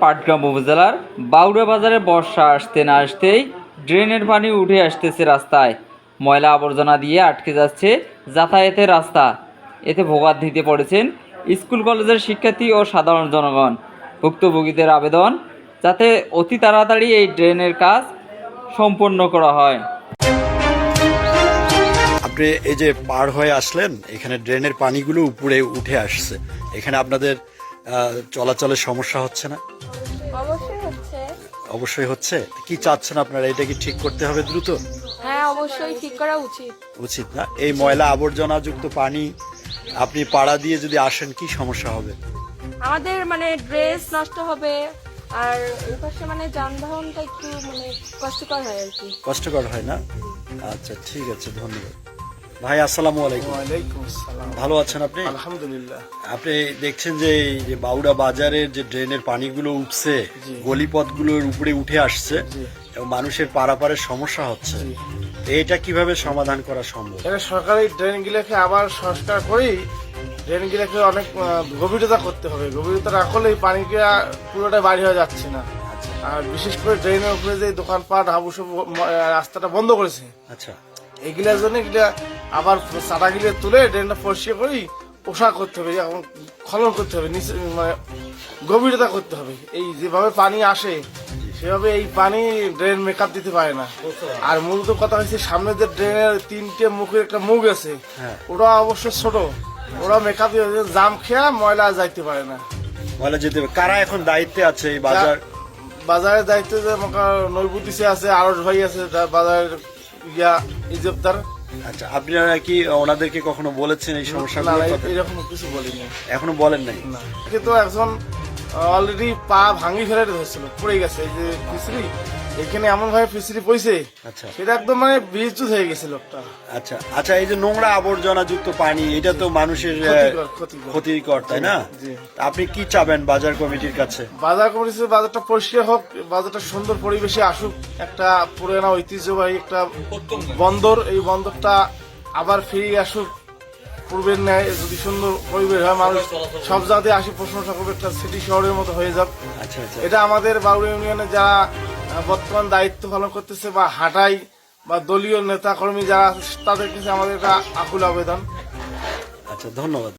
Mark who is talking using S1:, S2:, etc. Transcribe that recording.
S1: পাটগ্রাম উপজেলার বাউড়া বাজারে বর্ষা আসতে না আসতেই ড্রেনের পানি উঠে আসতেছে রাস্তায়। ময়লা আবর্জনা দিয়ে আটকে যাচ্ছে যাতায়াতের রাস্তা। এতে ভোগান্তিতে পড়েছেন স্কুল কলেজের শিক্ষার্থী ও সাধারণ জনগণ। ভুক্তভোগীদের আবেদন যাতে অতি তাড়াতাড়ি এই ড্রেনের কাজ সম্পন্ন করা হয়।
S2: আপনি এই যে পার হয়ে আসলেন, এখানে ড্রেনের পানিগুলো উপরে উঠে আসছে, এখানে আপনাদের চলাচলের সমস্যা হচ্ছে না?
S3: অবশ্যই হচ্ছে।
S2: অবশ্যই হচ্ছে। কি চাচ্ছেন আপনারা, এটা কি ঠিক করতে হবে দ্রুত?
S3: হ্যাঁ, অবশ্যই ঠিক করা উচিত।
S2: উচিত না? এই ময়লা আবর্জনা যুক্ত পানি আপনি পাড়া দিয়ে যদি আসেন, কি সমস্যা হবে?
S3: আমাদের ড্রেস নষ্ট হবে, আর ওই পাশে যানবাহনটা একটু কষ্টকর হয় আর কি।
S2: কষ্টকর হয় না? আচ্ছা, ঠিক আছে, ধন্যবাদ। ভাই আসসালামু আলাইকুম।
S4: ওয়ালাইকুম আসসালাম।
S2: ভালো আছেন আপনি?
S4: আলহামদুলিল্লাহ।
S2: আপনি দেখছেন যে এই যে বাউড়া বাজারের যে ড্রেনের পানিগুলো উঠছে,
S4: জি।
S2: গলিপথগুলোর উপরে উঠে আসছে
S4: জি।
S2: এবং মানুষের পারাপারের সমস্যা হচ্ছে, এটা কিভাবে সমাধান করা সম্ভব?
S4: এটা সরকারি ড্রেনগুলোকে আবার সংস্কার করেই ড্রেনগুলোকে অনেক গভীরতা করতে হবে। গভীরতা না করলে এই পানিটা পুরোটা বাড়ি হয়ে যাচ্ছে না। আর বিশেষ করে ড্রেনের উপরে যে দোকানপাট হাবুসব রাস্তাটা বন্ধ করেছে,
S2: আচ্ছা,
S4: এগুলার জন্য এগুলা আবার চাটাগুলো তুলে ড্রেনটা পরিষ্কার করেই পোশাক করতে হবে, এখন খনন করতে হবে, নিচে গভীরতা করতে হবে। এই যেভাবে পানি আসে সেভাবে এই পানি ড্রেন মেকআপ দিতে পারে না। আর মূলত কথা হচ্ছে সামনে যে ড্রেনের তিনটে মুখের একটা মুখ আছে,
S2: হ্যাঁ।
S4: ওরা অবশ্য ছোট, ওরা মেকআপ দিয়ে জাম খেয়া ময়লা যাইতে পারে না।
S2: বলা যেতে হবে। কারা এখন দায়িত্বে আছে এই বাজার?
S4: বাজারের দায়িত্ব যে নৈবুদ্দিসে আছে, আরস ভাই আছে বাজারের ইজবদার।
S2: আচ্ছা, আপনারা কি ওনাদেরকে কখনো বলেছেন এই
S4: না,
S2: সমস্যাগুলো?
S4: এরকম কিছু বলিনি।
S2: এখনো বলেন নাই?
S4: না, কিন্তু একজন অলরেডি পা ভাঙি ফেলে ধরছিল, পড়ে গেছে। এই যে ফিসরি, এখানে এমন ভাবে ফিসরি পড়ছে,
S2: আচ্ছা,
S4: সেটা একদম বিদ্যুৎ হয়ে গেছে লোকটা।
S2: আচ্ছা, আচ্ছা। এই যে নোংরা আবর্জনা যুক্ত পানি, এটা তো মানুষের ক্ষতিকর, তাই না?
S4: জি।
S2: আপনি কি চাবেন বাজার কমিটির কাছে?
S4: বাজার কমিটি বাজারটা পরিষ্কার হোক, বাজারটা সুন্দর পরিবেশে আসুক, একটা পুরোনো ঐতিহ্যবাহী একটা বন্দর, এই বন্দরটা আবার ফিরে আসুক পূর্বের ন্যায়। যদি সুন্দর পরিবেশ হয়, মানুষ সব জায়গাতে আসি প্রশংসা করবে, একটা সিটি শহরের মতো হয়ে যাক।
S2: আচ্ছা, আচ্ছা।
S4: এটা আমাদের বাউড়া ইউনিয়নে যারা বর্তমান দায়িত্ব পালন করতেছে বা হাটাই বা দলীয় নেতা কর্মী যারা, তাদের কাছে আমাদের একটা আকুল আবেদন।
S2: আচ্ছা, ধন্যবাদ।